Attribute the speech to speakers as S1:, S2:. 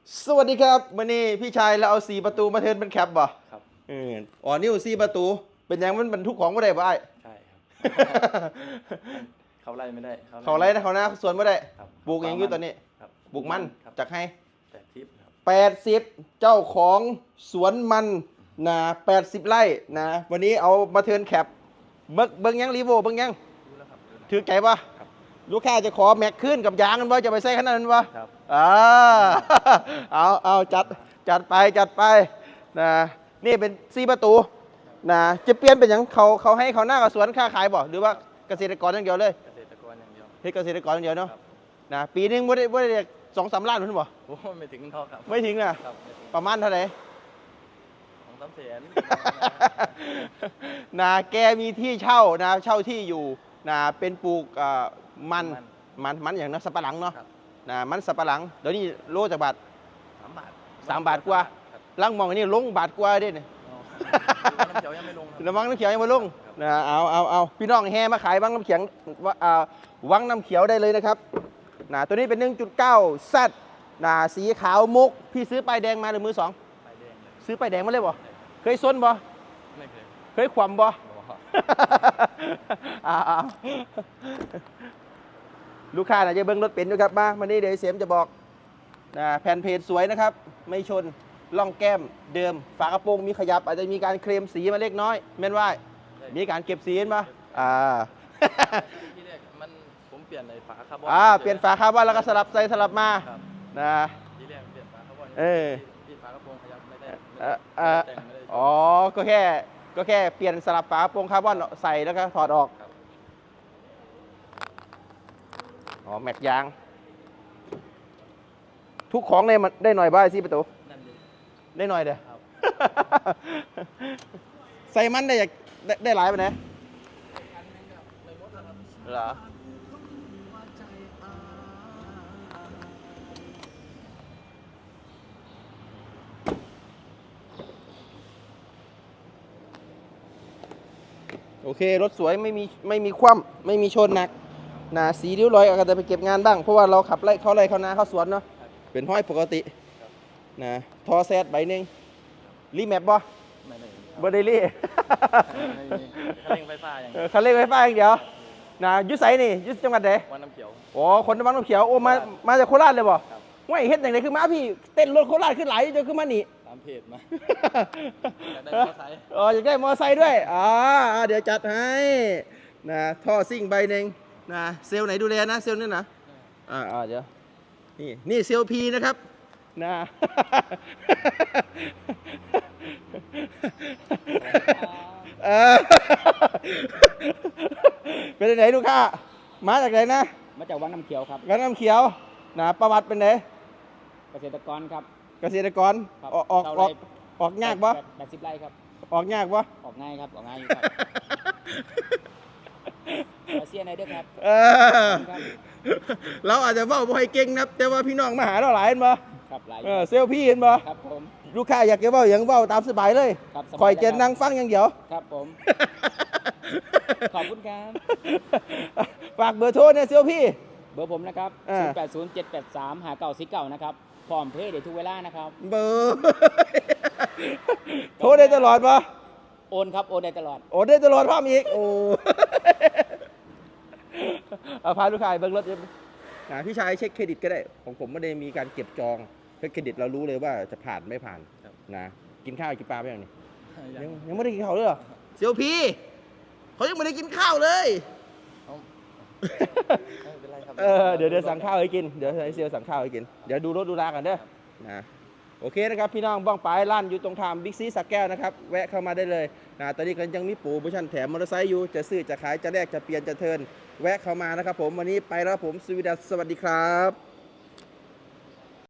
S1: สวัสดีครับวันนี้พี่ชายเราเอา4 ประตูมาเทิร์นเป็นแคปบ่
S2: ครับ
S1: อ๋อนี่4 ประตูเป็นยังมันบรรทุกของไม่ได้บ่ไอ้
S2: ใช่ครับ เขาไล่ไม่ได้
S1: เขาไรนะเขานะสวนไม่ได้
S2: ครับ
S1: ปลูกเองอยู่ตอนนี้
S2: ครับ
S1: ปลูกมัน
S2: ครับ
S1: จากให้
S2: 80ครับ
S1: 80เจ้าของสวนมันนะ80 ไร่นะวันนี้เอามาเทิร์นแคปเบิ้งยังรีโวเบิ้งยัง
S2: รู้แล้วครับรู้แล้ว
S1: ถือใจปะ
S2: ครับ
S1: ลูกค้าจะขอแม็กขึ้นกับยางกันบ่จะไปใส่ขนาดนั้นปะ
S2: ครับ
S1: เอาจัดไปนะนี่เป็น4 ประตูนะจะเปลี่ยนเป็นอย่างเขาให้เขาหน้ากับสวนค้าขายบ่หรือว่าเกษตรกรอย่างเดียวเลย
S2: เกษตรกรอย่างเดียว
S1: เฮ้ยเกษตรกรอย่างเดียวเนาะ
S2: ครับ
S1: นะปีนึงไม่ได้2-3 ล้านหรือเปล่า
S2: โอ้ไม่ถึงเท่าครับ
S1: ไม่ถึงนะครับ
S2: ไม่ถึง
S1: ประมาณเท่าไหร่
S2: 2-3 แสน
S1: นะแกมีที่เช่านะเช่าที่อยู่นะเป็นปลูกมันอย่างนั้นสับปะหลังเนาะ
S2: ครับ
S1: นะมันสับปะหลังเดี๋ยวนี้โลจากบาท
S2: 3 บาท
S1: 3 บาทกว่า
S2: ครับ
S1: ลังมองอันนี้ลงบาทกว่าได้เนี่ย
S2: อ๋อน้ำเขียวยังไม่ลงครับ
S1: น้ำวังน้ำเขียวยังไม่ลงนะเอาพี่น้องแห่มาขายวังน้ำเขียววังน้ำเขียวได้เลยนะครับนะตัวนี้เป็น 1.9 Z นะสีขาวมุกพี่ซื้อป้ายแดงมาหรือมือสอง
S2: ใบแดงเลย
S1: ซื้อป้ายแดงมาเลยบ่เคยซนบ่
S2: ไม่เคย
S1: เคยขวำบ่
S2: อ๋อ
S1: เอาลูกค้าน่ะจะเบิ้งรถเป็นอยู่ครับมานี่เดี๋ยวเสียมจะบอกนะแผ่นเพจสวยนะครับ ไม่ชนล่องแก้มเดิมฝากระโปรงมีขยับอาจจะมีการเคลมสีมาเล็กน้อยแม่นว่ามีการเก็บสีเห็นปะ
S2: ที่แรกผมเปลี่ยนในฝาคาร์บอน
S1: เปลี่ยนฝาคาร์บอนแล้วก็สลับใส่สลับมา
S2: ครับ
S1: นะ
S2: ที่แรกเปลี่ยนฝาคาร์บอน ที่ฝากระโปรงขยับไม่ได้แต่งไม่ได้
S1: อ๋อก็แค่เปลี่ยนสลับฝากระโปรงคาร์บอนใส่แล้วก็ถอดออก
S2: ครับ
S1: อ๋อแม็กยาง ทุกของได้หน่อยบ้างสิประตู
S2: นั่นเลย
S1: ได้หน่อยเด้อ
S2: ครับ
S1: ใส่มันได้หลายไปไหน
S2: อันนึงครับไม่หมดแล้วครับ
S1: เหรอโอเครถสวยไม่มีคว่ำไม่มีชนหนักนะสีริ้วรอยอาจจะไปเก็บงานบ้างเพราะว่าเราขับไล่เข้านาเข้าสวนเนาะเป็นห้อยปกตินะทอแซดใบหนึ่งรีแมปบ่
S2: ไม่ได้
S1: บ่ได้รี
S2: ไม่มีคันเร่งไฟฟ้าอย่างเดียว
S1: คันเร่งไฟฟ้าอย่างเดียวนะอยุไสนี่อยุจังหวัดไหน
S2: วันน้ำเขียว
S1: อ๋อคนวังน้ำเขียวโอ้มาจากโคราชเลยบ่
S2: ครับ
S1: ว่าเฮ็ดอย่างไรคือมาพี่เต้นรถโคราชขึ้นไหลจนขึ้นมานี่
S2: ตามเพจมา อยากได้มอเตอร์ไซค์
S1: อ๋ออยากได้มอไซค์ด้วยเดี๋ยวจัดให้นะท่อซิ่งใบหนึ่งนะเซลล์ไหนดูแลนะเซลล์นี่นะเดี๋ยวนี่เซลล์พีนะครับนะ เออ เป็นไหนลูกค้ามาจากไหนนะ
S3: มาจากวังน้ำเขียวครับ
S1: วังน้ำเขียวนะประวัติเป็นไหน
S3: เกษตรกรครับ
S1: เกษตรกร
S3: ครับ
S1: ออกยากปะ
S3: 80 ไร่ครับ
S1: ออกยากปะ
S3: ออกง่ายครับ ออกง่ายอยู่ครับมาเซียนไหนด้วยครับ
S1: เออ
S3: ครับ
S1: เราอาจจะเว้าบ่ให้เก่งนะแต่ว่าพี่น้องมาหาเราหลายเห็นบ่
S3: ครับหลาย
S1: เซลล์พี่เห็นบ่
S3: ครับผม
S1: ลูกค้าอยากจะเว้าอย่างเว้าตามสบายเลย
S3: ครับสบาย
S1: คอยจะ
S3: เลยครับ
S1: นั่งฟังอย่างเดียว
S3: ครับผม ขอบคุณครับ
S1: ฝากเบอร์โทรเนี่ยเซลล์พี่
S3: เบอร์ผมนะครับ 0807835949นะครับ พร้อมเพย์ได้ทุกเวลานะครับ
S1: เบอร์ โทรได้ตลอดปะ
S3: โอนครับ โอนได้ตลอด
S1: โอ้ได้ตลอดพร้อมอีกโอ้ เอาพาลูกค้าไปเบิ่งรถพี่ชายเช็คเครดิตก็ได้ของผมไม่ได้มีการเก็บจองเช็คเครดิตเรารู้เลยว่าจะผ่านไม่ผ่านนะกินข้าวกินปลาไปยังนี่ยังไม่ได้กินข้าวเลยเหรอเซลพีเขายังไม่ได้กินข้าวเลย
S2: ไม่เป็นไรครับ
S1: เดี๋ยวสั่งข้าวให้กินเดี๋ยวให้เซลสั่งข้าวให้กินเดี๋ยวดูรถดูรากันเด้อนะโอเคนะครับพี่น้องบ้องปลายร้านอยู่ตรงทางบิ๊กซีสักแก้วนะครับแวะเข้ามาได้เลยนะตอนนี้ก็ยังมีโปรโมชั่นแถมมอเตอร์ไซค์อยู่จะซื้อจะขายจะแลกจะเปลี่ยนจะเทิร์นแวะเข้ามานะครับผมวันนี้ไปแล้วผมสวัสดีครับ